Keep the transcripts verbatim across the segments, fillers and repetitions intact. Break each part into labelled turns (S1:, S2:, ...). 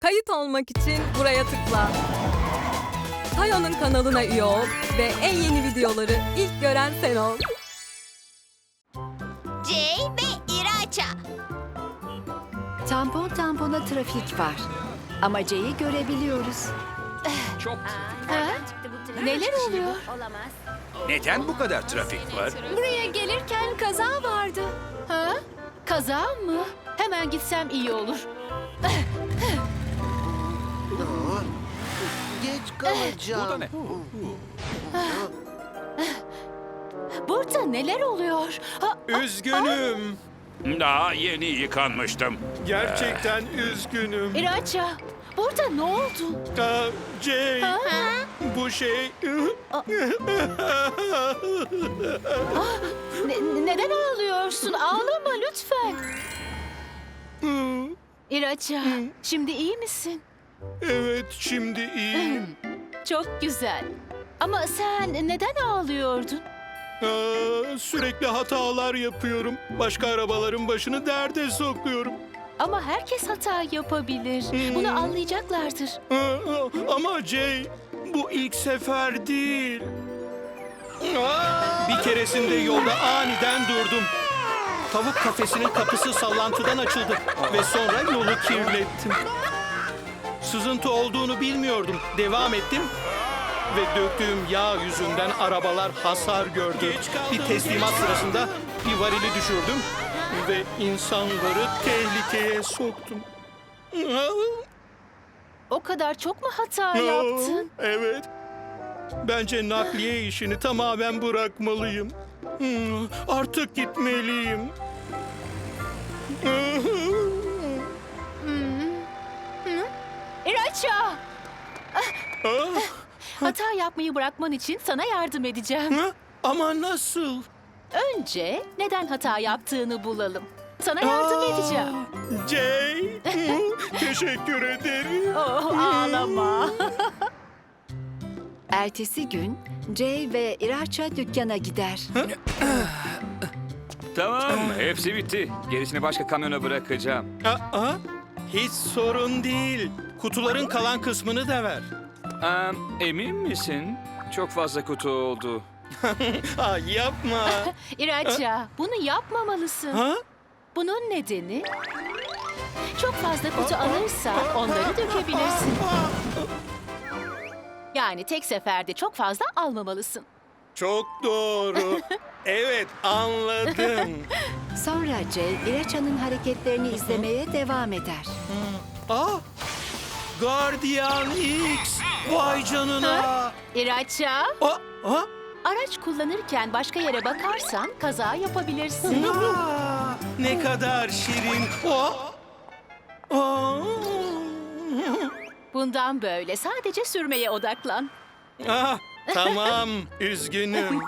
S1: Kayıt olmak için buraya tıkla. Tayo'nun kanalına üye ol ve en yeni videoları ilk gören sen ol.
S2: Jay ve İraça.
S3: Tampon tampona trafik var. Ama Jay'i görebiliyoruz.
S4: Çok
S3: Ha? Neler oluyor?
S4: Neden bu kadar trafik var?
S3: Buraya gelirken kaza vardı. Ha? Kaza mı? Hemen gitsem iyi olur.
S5: Geç kalacağım.
S4: Bu da ne?
S3: Burada neler oluyor? Ha,
S6: Üzgünüm.
S4: Daha yeni yıkanmıştım.
S6: Gerçekten üzgünüm.
S3: İraça, burada ne oldu?
S6: Aa, Jay, bu şey...
S3: Ne- neden ağlıyorsun? Ağlama lütfen. İraça, şimdi iyi misin?
S6: Evet, şimdi iyiyim.
S3: Çok güzel. Ama sen neden ağlıyordun?
S6: Aa, sürekli hatalar yapıyorum. Başka arabaların başını derde sokuyorum.
S3: Ama herkes hata yapabilir. Bunu anlayacaklardır.
S6: Aa, ama Jay, bu ilk sefer değil. Aa! Bir keresinde yolda aniden durdum. Tavuk kafesinin kapısı sallantıdan açıldı ve sonra yolu kirlettim. Sızıntı olduğunu bilmiyordum. Devam ettim ve döktüğüm yağ yüzünden arabalar hasar gördü. Bir teslimat sırasında bir varili düşürdüm ve insanları tehlikeye soktum.
S3: O kadar çok mu hata yaptın?
S6: Evet. Bence nakliye işini tamamen bırakmalıyım. Hmm, Artık gitmeliyim.
S3: İraça!
S6: Ah,
S3: Hata yapmayı bırakman için sana yardım edeceğim.
S6: ha? Ama nasıl?
S3: Önce neden hata yaptığını bulalım. Sana yardım
S6: Aa,
S3: edeceğim.
S6: Jay, teşekkür ederim.
S3: Oh, ağlama.
S7: Ertesi gün Jay ve İraça dükkana gider.
S4: Tamam, hepsi bitti. Gerisini başka kamyona bırakacağım.
S6: Aa, hiç sorun değil. Kutuların kalan kısmını da ver.
S4: Ee, emin misin? Çok fazla kutu oldu.
S6: Aa, yapma.
S3: İraça, bunu yapmamalısın.
S6: Ha?
S3: Bunun nedeni... Çok fazla kutu alırsan onları dökebilirsin. Yani tek seferde çok fazla almamalısın.
S6: Çok doğru. Evet, anladım.
S7: Sonra Jay, İraça'nın hareketlerini izlemeye devam eder.
S6: Ah! Guardian X! Vay canına!
S3: İraça,
S6: Ah! Ah!
S3: araç kullanırken başka yere bakarsan kaza yapabilirsin.
S6: Aa, ne kadar şirin! Ah! Ah!
S3: Bundan böyle sadece sürmeye odaklan.
S6: Ah, tamam, üzgünüm.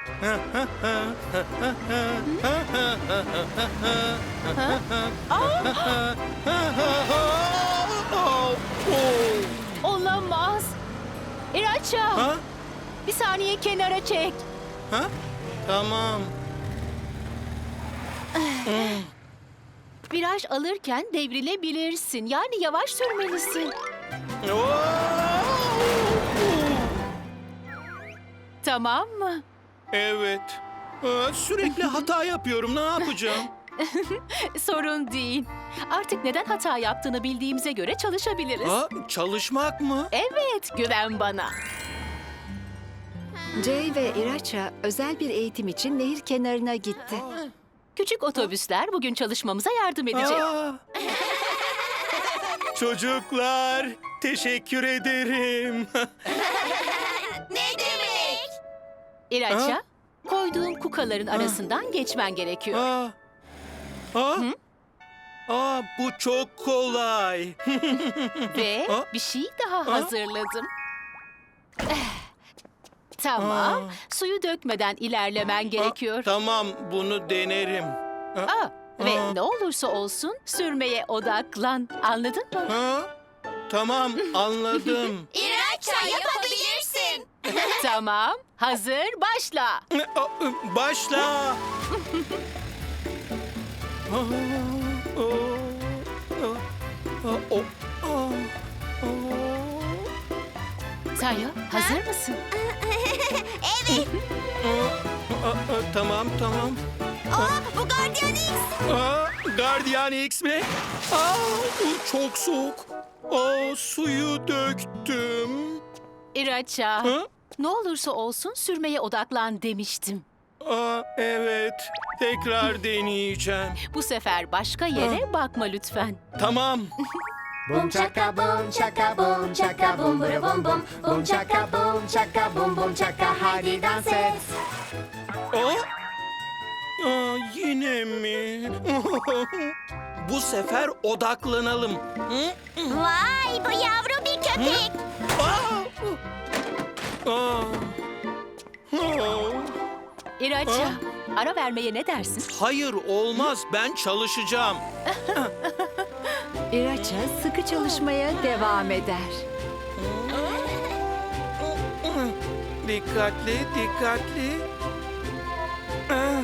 S6: Oh, oh.
S3: Olamaz. İraça,
S6: Ha?
S3: bir saniye kenara çek.
S6: Ha? Tamam.
S3: Viraj alırken devrilebilirsin. Yani yavaş sürmelisin.
S6: Oh!
S3: Tamam mı?
S6: Evet. Aa, sürekli hata yapıyorum. Ne yapacağım?
S3: Sorun değil. Artık neden hata yaptığını bildiğimize göre çalışabiliriz.
S6: Aa, çalışmak mı?
S3: Evet, güven bana.
S7: Jay ve İraça özel bir eğitim için nehir kenarına gitti.
S3: Küçük otobüsler bugün çalışmamıza yardım edecek.
S6: Aa! Çocuklar, teşekkür ederim.
S2: Ne demek?
S3: İraça,
S6: Ha?
S3: koyduğum kukaların arasından geçmen gerekiyor.
S6: Aa, aa, aa, bu çok kolay.
S3: Ve
S6: Ha?
S3: bir şey daha hazırladım. Eh, Tamam,
S6: Aa.
S3: suyu dökmeden ilerlemen gerekiyor.
S6: Tamam, bunu denerim.
S3: Aa, ve
S6: Aa.
S3: ne olursa olsun sürmeye odaklan. Anladın mı?
S6: Ha? Tamam, anladım.
S2: İraça yapabilirsin.
S3: Tamam, hazır, başla.
S6: Aa, Başla. Aa, aa, aa, aa, aa, aa.
S3: Tayo, hazır mısın?
S2: Evet.
S6: Aa, aa, tamam tamam.
S2: Aa, bu Guardian X.
S6: Aa, Guardian X mi? Aa, bu çok soğuk. Aa, suyu döktüm.
S3: İraça,
S6: Ha?
S3: ne olursa olsun sürmeye odaklan demiştim.
S6: Aa, evet. Tekrar deneyeceğim.
S3: Bu sefer başka yere bakma lütfen.
S6: Tamam.
S5: Boom chaka boom chaka boom chaka boom bada boom boom. Boom chaka boom chaka boom boom chaka, hadi dans et.
S6: Aa, aa, yine mi? Bu sefer odaklanalım. Hı?
S2: Vay, bu yavru bir köpek.
S6: Aa! Aa! Aa!
S3: İraça, ara vermeye ne dersin?
S6: Hayır olmaz, ben çalışacağım.
S7: İraça sıkı çalışmaya devam eder.
S6: Dikkatli, dikkatli. Ah.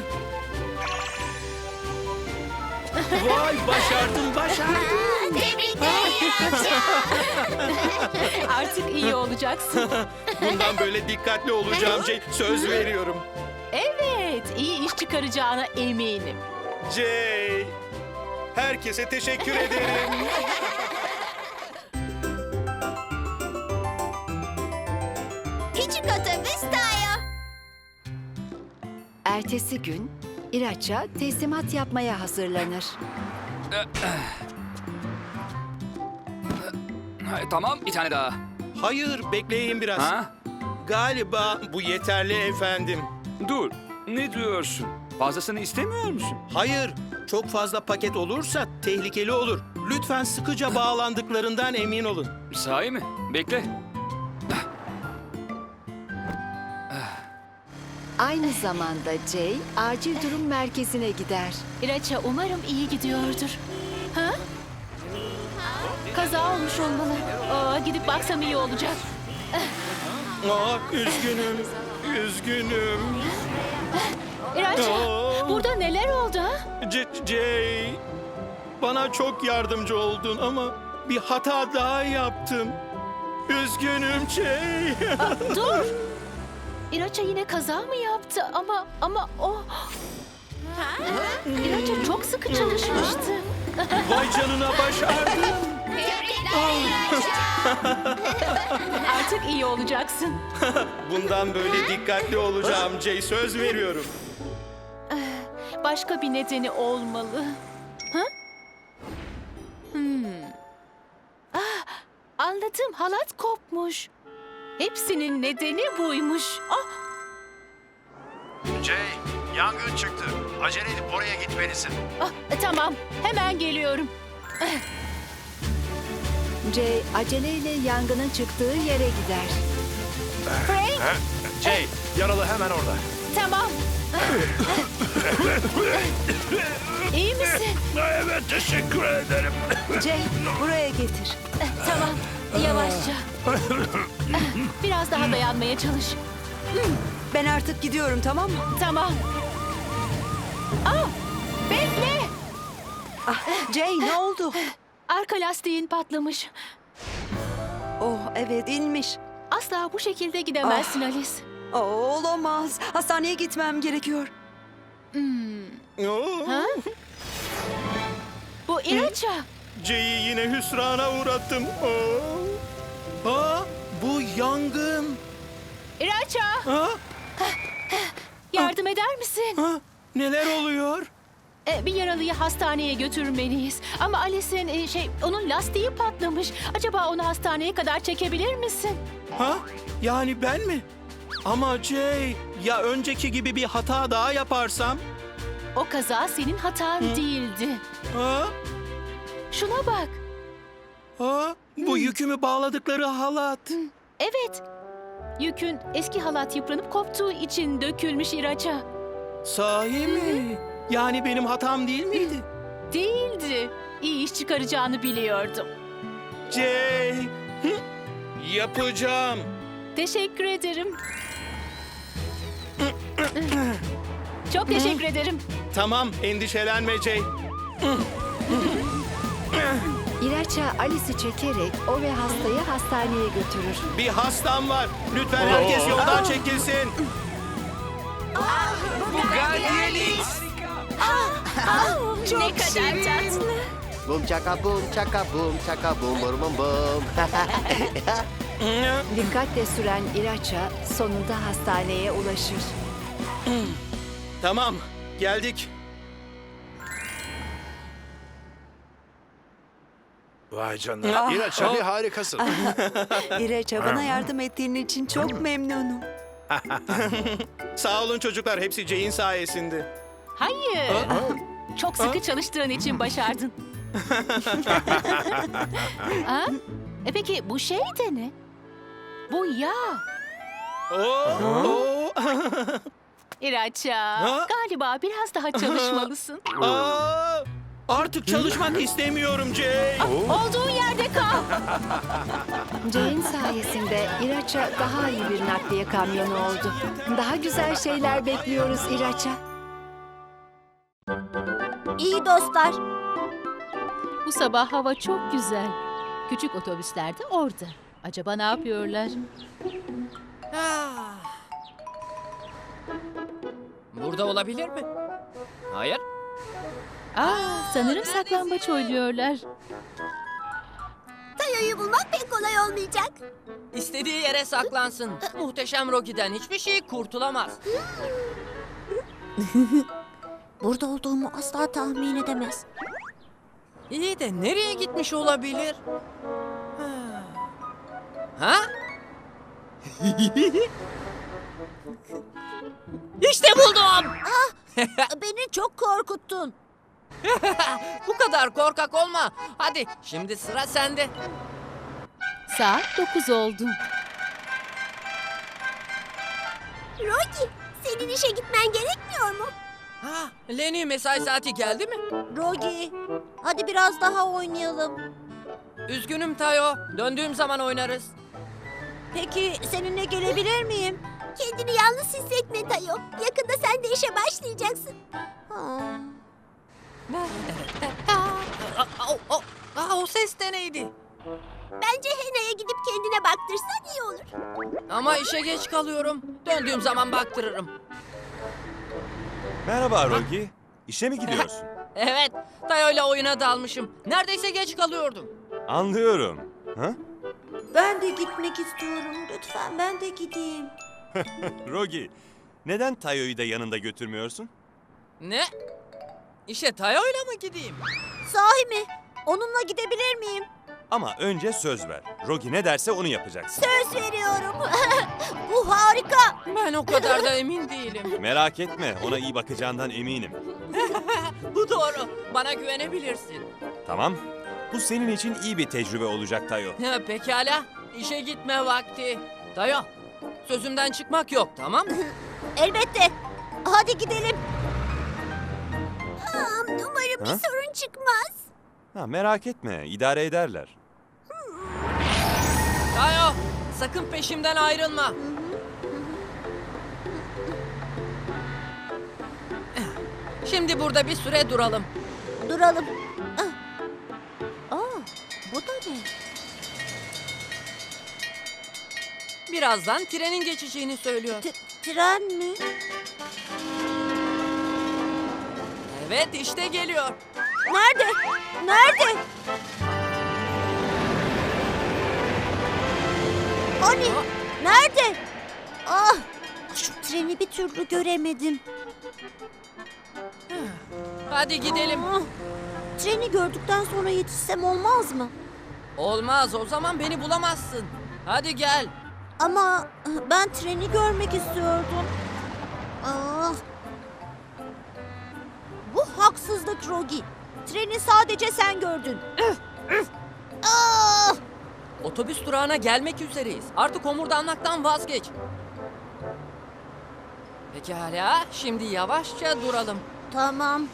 S6: Vay, başardım, başardım.
S2: Tebrikler İraça.
S3: Artık iyi olacaksın.
S6: Bundan böyle dikkatli olacağım şey, söz veriyorum.
S3: Evet, iyi iş çıkaracağına eminim.
S6: Jay, herkese teşekkür ederim.
S2: Küçük otobüs Tayo.
S7: Ertesi gün İraça teslimat yapmaya hazırlanır.
S4: Ha, tamam, bir tane daha.
S6: Hayır, bekleyin biraz.
S4: Ha?
S6: Galiba bu yeterli efendim.
S4: Dur, ne diyorsun? Fazlasını istemiyor musun?
S6: Hayır, çok fazla paket olursa tehlikeli olur. Lütfen sıkıca bağlandıklarından emin olun.
S4: Sahi mi? Bekle.
S7: Aynı zamanda Jay acil durum merkezine gider.
S3: İraça, umarım iyi gidiyordur. Ha? Kaza olmuş olmalı. Aa, gidip baksam iyi olacak.
S6: Aa, üzgünüm, üzgünüm.
S3: İraça,
S6: Aa.
S3: burada neler oldu ha?
S6: C- Jay, bana çok yardımcı oldun ama bir hata daha yaptım. Üzgünüm Jay.
S3: Aa, dur. İraça yine kaza mı yaptı ama ama o... İraça çok sıkı çalışmıştı.
S6: Vay canına, başardım.
S2: Tebrikler İraça.
S3: Artık iyi olacaksın.
S6: Bundan böyle dikkatli olacağım Jay, söz veriyorum.
S3: Başka bir nedeni olmalı. Ha? Hmm. Ah, anladım. Halat kopmuş. Hepsinin nedeni buymuş. Ah,
S8: Jay, yangın çıktı. Acele edip oraya gitmelisin.
S3: ah, tamam. Hemen geliyorum.
S7: Jay aceleyle yangının çıktığı yere gider.
S3: Frank,
S8: Jay, yaralı hemen orada.
S3: tamam. İyi misin?
S8: Evet, teşekkür ederim.
S7: Jay buraya getir.
S3: Tamam. Yavaşça. Biraz daha dayanmaya çalış.
S9: Ben artık gidiyorum, tamam mı?
S3: Tamam. Ah, bekle.
S9: Ah, Jay ne oldu?
S3: Arka lastiğin patlamış.
S9: Oh evet inmiş.
S3: Asla bu şekilde gidemezsin Alice.
S9: Oh, olamaz. Hastaneye gitmem gerekiyor.
S6: Oo,
S3: Ha? Bu İraça.
S6: Jay'i yine hüsrana uğrattım. Oo. Aa, bu yangın.
S3: İraça,
S6: Ha?
S3: yardım eder misin?
S6: Ha? Neler oluyor?
S3: Ee, bir yaralıyı hastaneye götürmeliyiz. Ama Alice'in e, şey, onun lastiği patlamış. Acaba onu hastaneye kadar çekebilir misin?
S6: Ha? Yani ben mi? Ama Jay, ya önceki gibi bir hata daha yaparsam?
S3: O kaza senin hatan değildi.
S6: Ha?
S3: Şuna bak.
S6: Ha? Bu yükümü bağladıkları halat.
S3: Evet. Yükün eski halat yıpranıp koptuğu için dökülmüş İraça.
S6: Sahi mi? Yani benim hatam değil miydi?
S3: Değildi. İyi iş çıkaracağını biliyordum.
S6: Jay, hı? Yapacağım.
S3: Teşekkür ederim. Çok teşekkür ederim.
S6: Tamam, endişelenme Jay.
S7: İraça Alice'i çekerek o ve hastayı hastaneye götürür.
S6: Bir hastam var. Lütfen herkes yoldan çekilsin.
S2: Ne kadar tatlı.
S5: Bum çaka bum çaka bum çaka bum bum bum bum.
S7: Dikkatle süren İraça sonunda hastaneye ulaşır.
S6: Tamam, geldik.
S8: Vay canına. İlaç abi harikasın.
S9: İreça bana yardım ettiğin için çok memnunum.
S6: Sağ olun çocuklar, hepsi Jay'in sayesinde.
S3: Hayır. Çok sıkı çalıştığın için başardın. Ha? E peki bu şey de ne? Bu yağ.
S6: Oo, oo.
S3: İraça, galiba biraz daha çalışmalısın.
S6: Aa, artık çalışmak istemiyorum Jay.
S3: Olduğun yerde kal.
S7: Jane sayesinde İraça daha iyi bir nakliye kamyonu oldu. Daha güzel şeyler bekliyoruz İraça.
S2: İyi dostlar.
S3: Bu sabah hava çok güzel. Küçük otobüsler de orada. Acaba ne yapıyorlar?
S10: Burada olabilir mi? Hayır.
S3: Aa, sanırım saklambaç oynuyorlar.
S2: Tayo'yu bulmak pek kolay olmayacak.
S10: İstediği yere saklansın. Muhteşem Rocky'den hiçbir şey kurtulamaz.
S2: Burada olduğumu asla tahmin edemez.
S10: İyi de nereye gitmiş olabilir? Ha? Ha? İşte buldum.
S2: Beni çok korkuttun.
S10: Bu kadar korkak olma. Hadi şimdi sıra sende.
S3: Saat dokuz oldu.
S2: Rocky, senin işe gitmen gerekmiyor mu?
S10: Ha, Lenny mesai saati geldi mi?
S2: Rocky, hadi biraz daha oynayalım.
S10: Üzgünüm Tayo. Döndüğüm zaman oynarız.
S2: Peki seninle gelebilir miyim? Kendini yalnız hissetme Tayo. Yakında sen de işe başlayacaksın.
S10: Aa, o, o, aa, o ses de neydi?
S2: Bence Hena'ya gidip kendine baktırsan iyi olur.
S10: Ama işe geç kalıyorum. Döndüğüm zaman baktırırım.
S8: Merhaba Rogi. İşe mi gidiyorsun?
S10: Evet, Tayo'yla oyuna dalmışım. Neredeyse geç kalıyordum.
S8: Anlıyorum. Ha?
S2: Ben de gitmek istiyorum. Lütfen ben de gideyim.
S8: Rogi, neden Tayo'yu da yanında götürmüyorsun?
S10: Ne? İşe Tayo'yla mı gideyim?
S2: Sahi mi? Onunla gidebilir miyim?
S8: Ama önce söz ver. Rogi ne derse onu yapacaksın.
S2: Söz veriyorum. Bu harika.
S10: Ben o kadar da emin değilim.
S8: Merak etme, ona iyi bakacağından eminim.
S10: Bu doğru. Bana güvenebilirsin.
S8: Tamam, bu senin için iyi bir tecrübe olacak Tayo.
S10: Ha, pekala. İşe gitme vakti. Tayo, sözümden çıkmak yok, tamam mı?
S2: Elbette. Hadi gidelim. Aa, umarım bir
S8: Ha?
S2: sorun çıkmaz.
S8: Ha, merak etme, idare ederler.
S10: Tayo, sakın peşimden ayrılma. Şimdi burada bir süre duralım.
S2: Duralım. Ah. Aa, bu da ne?
S10: Birazdan trenin geçeceğini söylüyor.
S2: T- tren mi?
S10: Evet, işte geliyor.
S2: Nerede? Nerede? Hani? Nerede? Ah, şu treni bir türlü göremedim.
S10: Hadi gidelim.
S2: Ah, treni gördükten sonra yetişsem olmaz mı?
S10: Olmaz, o zaman beni bulamazsın. Hadi gel.
S2: Ama ben treni görmek istiyordum. Ah. Bu haksızlık Rogi. Treni sadece sen gördün. Ah!
S10: Otobüs durağına gelmek üzereyiz. Artık homurdanmaktan vazgeç. Pekala, şimdi yavaşça duralım.
S2: Tamam.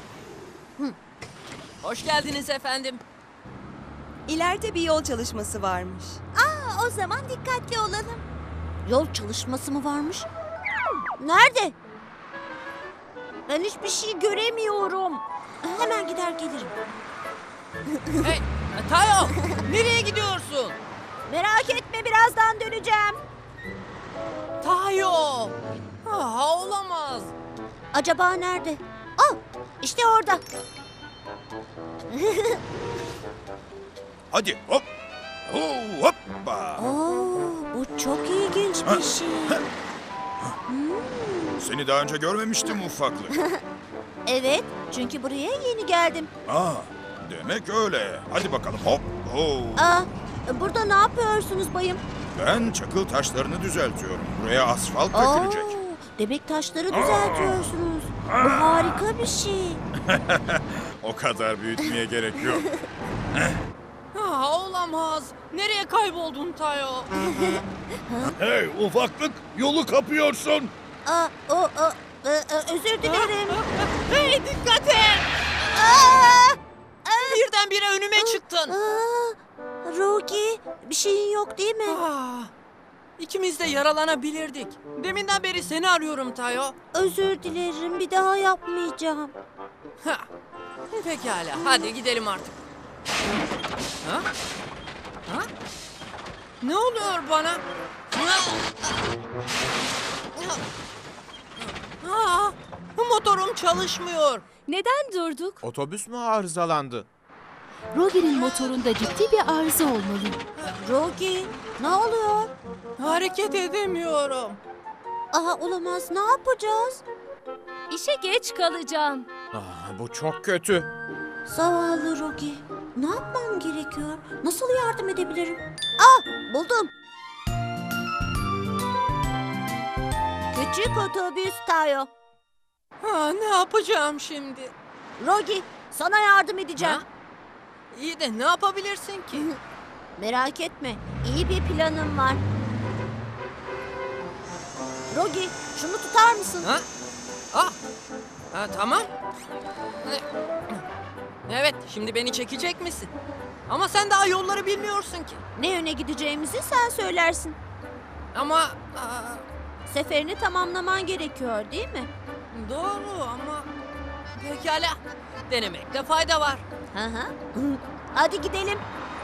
S10: Hoş geldiniz efendim.
S9: İleride bir yol çalışması varmış.
S2: Aa, o zaman dikkatli olalım. Yol çalışması mı varmış? Nerede? Ben hiçbir şey göremiyorum. Hemen gider gelirim.
S10: Hey, Tayo, nereye gidiyorsun?
S2: Merak etme, birazdan döneceğim.
S10: Tayo. Ah, olamaz.
S2: Acaba nerede? Ah, işte orada.
S8: Hadi hop. Oo, hoppa.
S2: Oo, bu çok ilginç bir şey.
S8: Seni daha önce görmemiştim ufaklık.
S2: Evet, çünkü buraya yeni geldim.
S8: Aa, demek öyle. Hadi bakalım hop. Oo.
S2: Aa, burada ne yapıyorsunuz bayım?
S8: Ben çakıl taşlarını düzeltiyorum. Buraya asfalt
S2: Oo,
S8: dökülecek.
S2: demek taşları düzeltiyorsunuz. Bu harika bir şey.
S8: O kadar büyütmeye gerek yok.
S10: Ah, olamaz. Nereye kayboldun Tayo?
S8: Hey ufaklık, yolu kapıyorsun.
S2: Aa, o, o, e, e, özür dilerim.
S10: Hey, dikkat et.
S2: Aa,
S10: Birdenbire önüme çıktın.
S2: aa, Rogi, bir şeyin yok değil mi?
S10: Ah, ikimiz de yaralanabilirdik. Deminden beri seni arıyorum Tayo.
S2: Özür dilerim, bir daha yapmayacağım.
S10: Ha. Pekala, hadi gidelim artık. Ha? Ha? Ne oluyor bana? Ha? Ha? Motorum çalışmıyor.
S3: Neden durduk?
S11: Otobüs mü arızalandı?
S3: Rogi'nin motorunda ciddi bir arıza olmalı.
S2: Rogi, ne oluyor?
S10: Hareket edemiyorum.
S2: Aha, olamaz, ne yapacağız?
S1: İşe geç kalacağım.
S11: Ah, bu çok kötü.
S2: Zavallı Rogi, ne yapmam gerekiyor? Nasıl yardım edebilirim? Ah, buldum. Küçük otobüs Tayo.
S10: Ha, ne yapacağım şimdi?
S2: Rogi, sana yardım edeceğim.
S10: Ha? İyi de ne yapabilirsin ki?
S2: Merak etme, iyi bir planım var. Rogi, şunu tutar mısın?
S10: Ha? Ah. Ha, tamam. Evet, şimdi beni çekecek misin? Ama sen daha yolları bilmiyorsun ki.
S2: Ne yöne gideceğimizi sen söylersin.
S10: Ama aa,
S2: Seferini tamamlaman gerekiyor, değil mi?
S10: doğru ama pekala. Denemekte fayda var.
S2: Hı hı. Hadi gidelim.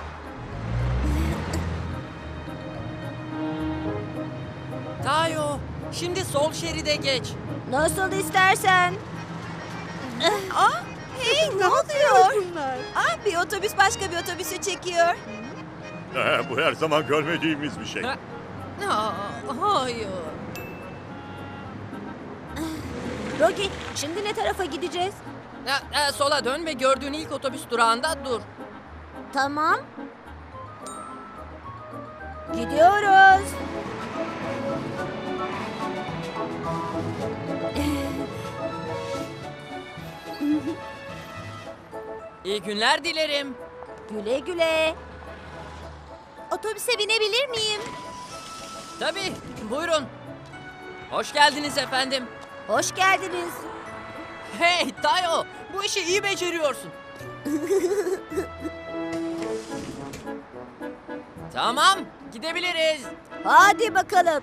S10: Tayo, şimdi sol şeride geç.
S2: Nasıl istersen. Aa, hey, ne oluyor? Aa, bir otobüs başka bir otobüsü çekiyor.
S8: Bu her zaman görmediğimiz bir şey.
S10: Ha? Aa, hayır.
S2: Rogi, şimdi ne tarafa gideceğiz?
S10: Ha, ha, sola dön ve gördüğün ilk otobüs durağında dur.
S2: Tamam. Gidiyoruz.
S10: İyi günler dilerim.
S2: Güle güle. Otobüse binebilir miyim?
S10: Tabii, buyurun. Hoş geldiniz efendim.
S2: Hoş geldiniz.
S10: Hey Tayo, bu işi iyi beceriyorsun. Tamam, gidebiliriz.
S2: Hadi bakalım.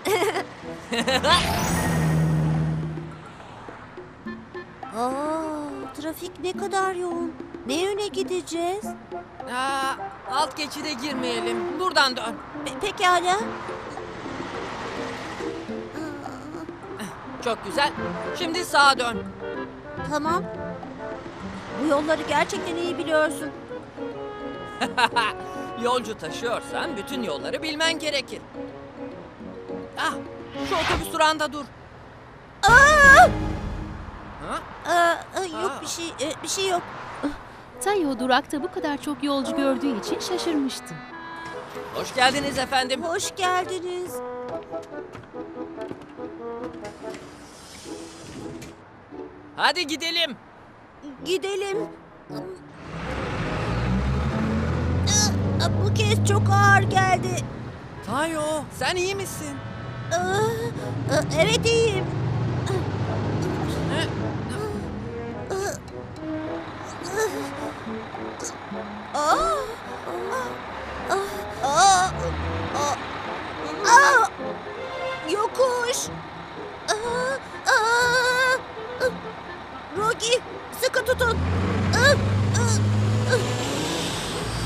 S2: Aa, trafik ne kadar yoğun. Ne yöne gideceğiz?
S10: Aa, alt geçide girmeyelim. Buradan dön.
S2: Pe- pekala.
S10: Çok güzel. Şimdi sağa dön.
S2: Tamam. Bu yolları gerçekten iyi biliyorsun.
S10: Yolcu taşıyorsan bütün yolları bilmen gerekir. Ah, şu otobüs durağında dur.
S2: Aa!
S10: Ha?
S2: Aa, yok
S10: Aa.
S2: bir şey, e, bir şey yok.
S3: Tayo durakta bu kadar çok yolcu gördüğü için şaşırmıştı.
S10: Hoş geldiniz efendim.
S2: Hoş geldiniz.
S10: Hadi gidelim.
S2: Gidelim. Aa, bu kez çok ağır geldi.
S10: Tayo, sen iyi misin?
S2: Aa, aa, evet iyiyim.
S10: Ha?
S2: Aa, aa, aa, aa, aa, yokuş. Aa, aa, Rogi, sıkı tutun. Aa, aa, aa.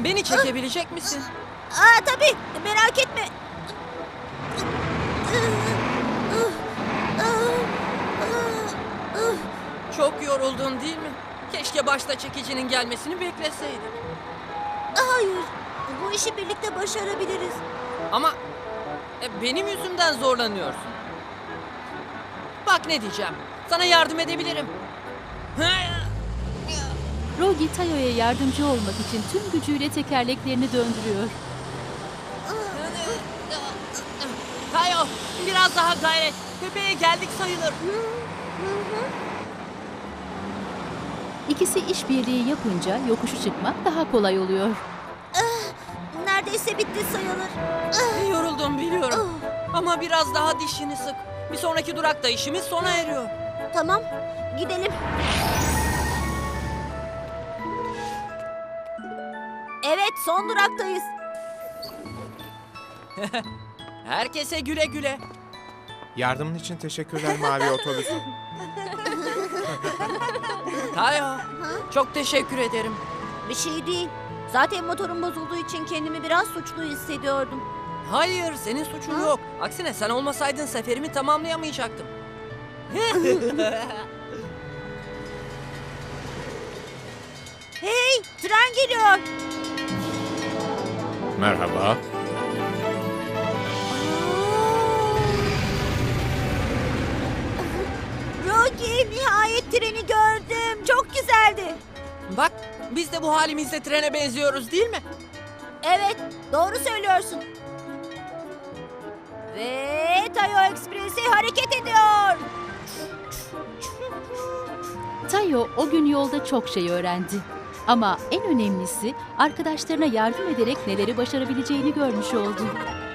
S10: Beni çekebilecek misin?
S2: Aa tabii, merak etme.
S10: Çok yoruldun değil mi? Keşke başta çekicinin gelmesini bekleseydin.
S2: Hayır, bu işi birlikte başarabiliriz.
S10: Ama e, benim yüzümden zorlanıyorsun. Bak ne diyeceğim. Sana yardım edebilirim.
S3: Rogi Tayo'ya yardımcı olmak için tüm gücüyle tekerleklerini döndürüyor.
S10: Tayo, biraz daha gayret. Tepeye geldik sayılır.
S3: İkisi işbirliği yapınca yokuşu çıkmak daha kolay oluyor.
S2: Neredeyse bitti sayılır.
S10: Yoruldum biliyorum. Ama biraz daha dişini sık. Bir sonraki durakta işimiz sona eriyor.
S2: Tamam, gidelim. Evet, son duraktayız.
S10: Herkese güle güle.
S11: Yardımın için teşekkürler mavi otobüs.
S10: Tayo, çok teşekkür ederim.
S2: Bir şey değil. Zaten motorum bozulduğu için kendimi biraz suçlu hissediyordum.
S10: Hayır, senin suçun yok. Aksine sen olmasaydın seferimi tamamlayamayacaktım.
S2: Hey, tren geliyor.
S11: Merhaba.
S2: Rogi, nihayet treni gördüm. Çok güzeldi.
S10: Bak, biz de bu halimizle trene benziyoruz değil mi?
S2: Evet, doğru söylüyorsun. Ve Tayo Ekspresi hareket ediyor.
S3: Tayo o gün yolda çok şey öğrendi. Ama en önemlisi arkadaşlarına yardım ederek neleri başarabileceğini görmüş oldu.